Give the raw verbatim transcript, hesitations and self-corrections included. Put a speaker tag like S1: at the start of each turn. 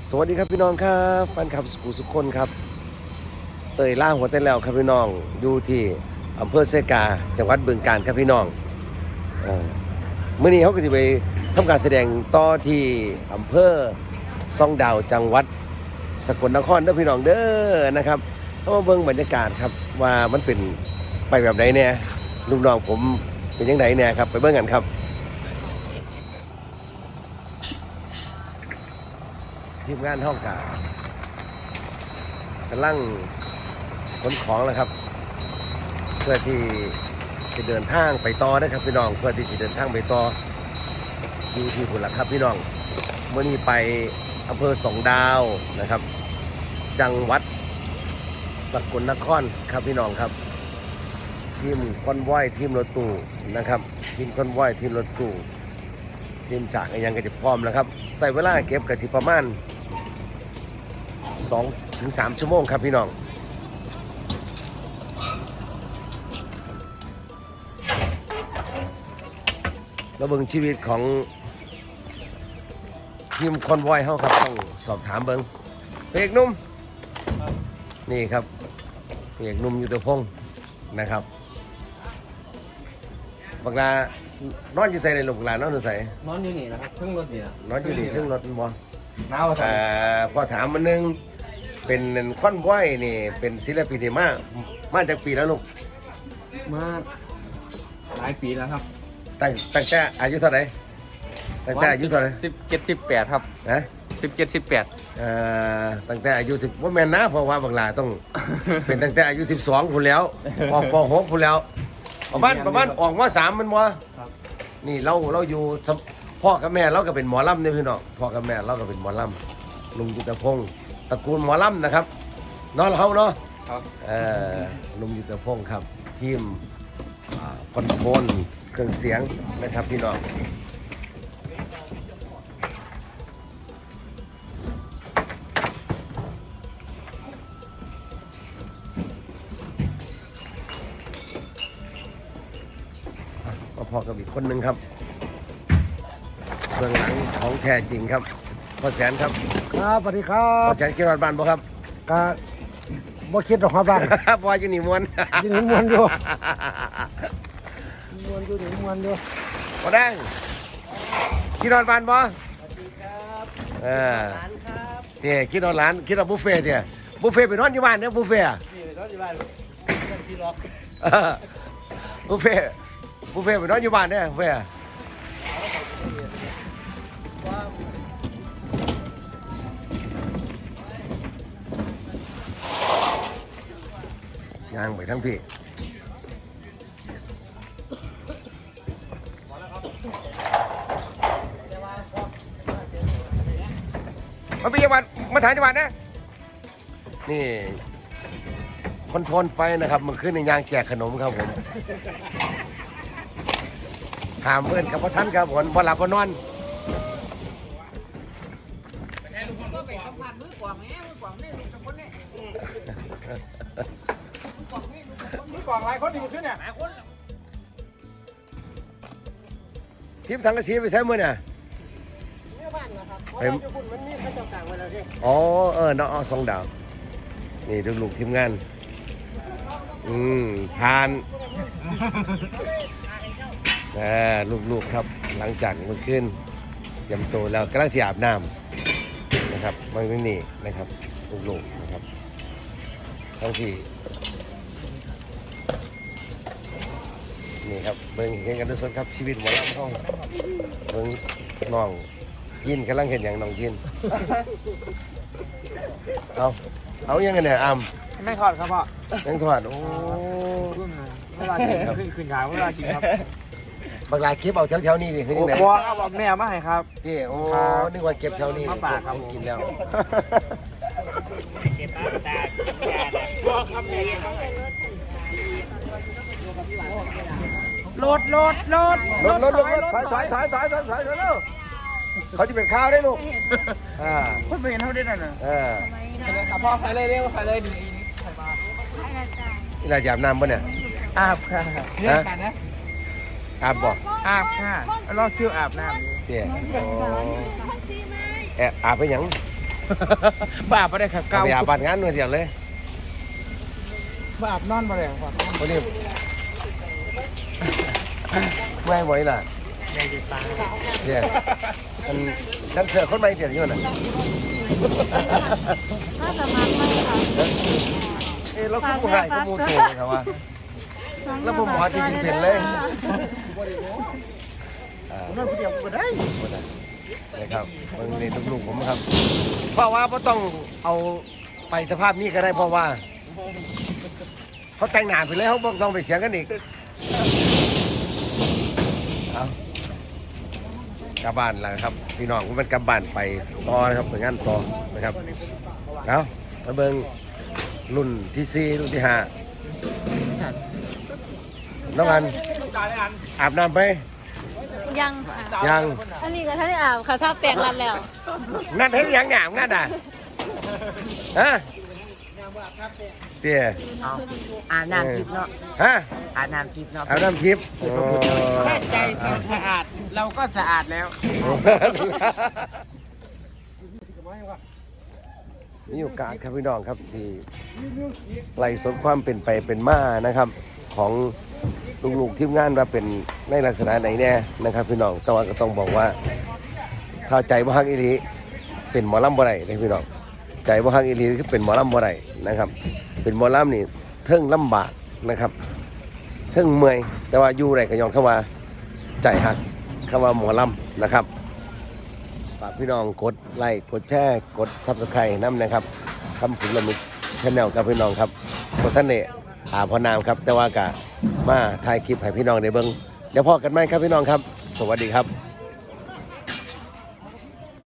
S1: สวัสดีครับพี่น้องครับแฟนคลับสุขุสุขคนครับเตยล่าหัวเต้นแล้วครับพี่น้องอยู่ที่อำเภอเซกาจังหวัดบึงกาฬครับพี่น้องเอ่อมื้อนี้เขาก็จะไปทำการแสดงต่อที่อำเภอซ่องดาวจังหวัดสกลนครเด้อพี่น้องเด้อนะครับเข้ามาเบิ่งบรรยากาศครับว่ามันเป็นไปแบบไหนเนี่ยลูกน้องผมเป็นยังไงเนี่ยครับไปเบิ่งกันครับทีมงานห้องกากำลังขนของแล้วครับเพื่อที่จะเดินทางไปต่อนะครับพี่น้องเพื่อที่จะเดินทางไปต่ออยู่ที่พุ่นละครับพี่น้องเมื่อนี้ไปอำเภอสองดาวนะครับจังหวัดสกลนครครับพี่น้องครับทีมคอนวอยทีมรถตู้นะครับทีมคอนวอยทีมรถตู้ทีมจากยังก็จะพร้อมแล้วครับใส่เวลาเก็บกระสิประมาณสองถึงสามชั่วโมงครับพี่น้องเราเบิ่งชีวิตของทีมคอนวอยเฮาครับต้องสอบถามเบิ่งเอกนุ่มนี่ครับเอกนุ่มยุทธพงศ์นะครับบักลานอนอยู่ใส่ในหลุมบักลานอนอยู่ใส่
S2: นอนอยู่นี่นะครับเครื่องรถนี่นะ
S1: นอนอยู่นี่เครื่องรถบ่
S2: หนาวอ่ะ
S1: พอถามมันนึงเป็นคอนวอยนี่เป็นศิลปินที่มามาจากปีแล้วลูก
S2: มาหลายปีแล้วครับ
S1: ตั้งตั้งแต่อายุเท่าไหร่ตั้งแต่อายุเท่าไหร่
S2: สิบเจ็ดสิบแปดครับ
S1: นะ
S2: สิบเจ็ดสิบแปด
S1: เอ่อตั้งแต่อายุสิบว่าแม่นนะเพราะว่าบางลาต้อง เป็นตั้งแต่อายุสิบสองพุ่นแล้วออกปหกพุ่นแล้วประมาณประมาณออกมาสามมันวะนี่เราเราอยู่พ่อกับแม่เราก็เป็นหมอลำเนี่ยพี่น้องพ่อกับแม่เราก็เป็นหมอลำลุงยุทธพงศ์ตระกูลหมอลำนะครับน้องเขาเนาะเอ่อลุงยุทธพงศ์ครับทีมคอนโทรลเครื่องเสียงนะครับพี่น้องมาพอกับอีกคนหนึ่งครับเบื้องหลังของแท้จริงครับพ่อแสนครับ
S3: ครับสวัสดีครับ
S1: พ่อแสนคิดว่าบ้านบ่ครับ
S3: ก็บ่คิดหรอกครับบ้าน
S1: บ่อยู่นี่มวน
S3: อยู่นี่มวนอยู่มวนอยู่นี่มวนอยู่
S1: บ่ได้คิดว่าบ้านบ่
S3: สวัสดีครับ
S1: เออ
S3: หลานครับ
S1: เนี่ยคิดว่าหลานคิดว่าบุฟเฟ่ต์เนี่ยบุฟเฟ่ต์ไปนอนอยู่บ้านเนี่ยบุฟเฟ่ต์
S3: นี่ไปนอนอยู่บ้านเป็นพี่ล็อก
S1: บุฟเฟ่ต์บุฟเฟ่ต์ไปนอนอยู่บ้านเนี่ยบุฟเฟ่ต์ย่างไปทั้งพี่มาเป็นจังหวัดมาถ่ายจังหวัดนะนี่คอนโทรลไฟนะครับมันขึ้นในยางแจกขนมครับผมถามเพื่อนกับพ่อท่านครับผมพอหลับพอนอน
S3: กล่องหลายคนอยู่ขึ้นเนี่ย
S1: ทิพย์สังกะสีไปใช้มือเนี่ย
S3: เนี่ยบ้านนะครับเพราะว่าญี่ปุ่นมันมีข้าวเจ้าต่างไว้แล้วใช่
S1: อ๋อเออน้องสองดาวนี่ดูลูกทีมงานอืมผ่านอ่าลูกๆครับหลังจากเมื่อคืนยำโตแล้วกำลังจะอาบน้ำนะครับมันก็นี่นะครับลูกๆนะครับทั้งที่นี่ครับเบิ่งเห็นกันทุกคนครับชีวิตหมอลำห้องเบิ่งน้องยินกำลังเห็นอย่างน้องยินเอาเอายังไงเนี่ยอ้ำ
S3: ไม่ทอดครับพ่อ
S1: ยังทอดโอ้
S3: เวลากินขึ้นขึ้นขาวเวลากินครับ
S1: บางรายเก็บเอาแถวๆนี้ดิคือยังไง
S3: บัวเอาบอกแม่มาให้ครับ
S1: พี่โอ้นึกว่าเก็บแถวนี้
S3: มาป่าครับ
S1: กินแล้ว
S3: เก็บมาตาบัวครับโหลดโหลดโหลด
S1: รถรถรถถอยถอยถอยถอยถอยถอยถอยแล้วเขาจะเป็นข้าวได้ลูกอ่า
S3: คนไม่เห็นเขาได้นั่นน่ะ
S1: เออ
S3: พ่อใครเลยเร็วใครเลยดีใครมา
S1: นี่เราจะอาบน้ำป่ะเนี่ย
S3: อาบค่ะ
S1: เนี่ยกันนะอาบบ่
S3: อาบค่ะรอคิวอาบน้ำ
S1: เนี่ยแอบอาบไปยัง
S2: บ้าบ่ได้ครับ
S1: เก่า
S2: เก่า
S1: ไปอาบบ้านงานหน่วยเดียวเลย
S2: บ้าอาบนอนบ่ได้ครับ
S1: วันนี้ไม่ไหวล่ะ
S2: ในจิตตา
S1: เนี่ยมันฉันเสือคนไม่เดียวอยู่น่ะ
S4: น่าจะมักไหมคะ
S1: เอ้เราคือผู้หายก็มูโตเลยครับว่า แล้วผมหมอจริงๆเป็นเลย
S3: นั่นคนเดียวก็ได้
S1: นะครับมันนี่ลูกๆผมครับ เพราะว่าไม่ต้องเอาไปสภาพนี้ก็ได้เพราะว่าเขาแต่งหน้าไปเลยเขาบอกต้องไปเสียงกันอีกเอากลับบ้านแล้วครับ พี่น้องผมเป็นกลับบ้านไปต่อนะครับไปงานต่อนะครับเอามาเบิ่งรุ่นที่สี่รุ่นที่ห้าน้องอันอาบน้ำไป
S4: ยังค่ะ
S1: ยัง
S4: อันนี้ก็ท่านได้อาบค่ะถ้าแปลงรันแล้ว
S1: นั่นเห็นยังหยามนั่นอ่ะฮะเตี้ย
S5: เอาอาบน้ำทิพย์เนาะ
S1: ฮะ
S5: อาบน้ำทิพย์เนาะ
S1: อาบน้ำทิพย์
S2: แค่ใจสะอาดเราก็สะอาดแล้ว
S1: มีโอกาสครับพี่น้องครับที่ไล่สดความเป็นไปเป็นมานะครับ ของลูกๆทีมงานว่าเป็นในลักษณะไหนแน่นะครับพี่น้องแต่ว่าก็ต้องบอกว่าถ้าใจบ่ฮักอีหลีเป็นหมอลำบ่ได้เลยพี่น้องใจบ่ฮักอีหลีคือเป็นหมอลำบ่ได้นะครับ เป็นหมอลำนี่เทิงลำบากนะครับเทิงเมื่อยแต่ว่าอยู่ไรก็ยองเข้ามาใจฮักเข้ามาหมอลำนะครับฝากพี่น้องกดไลค์กดแชร์กดซับสไครต์น้ำนะครับคำขุนละมิดชแนลกับพี่น้องครับตัวท่านเนี่ยอาพอนามครับแต่ว่ากะมาถ่ายคลิปให้พี่น้องได้เบิ่งเดี๋ยวพอกันไหมครับพี่น้องครับ สวัสดีครับ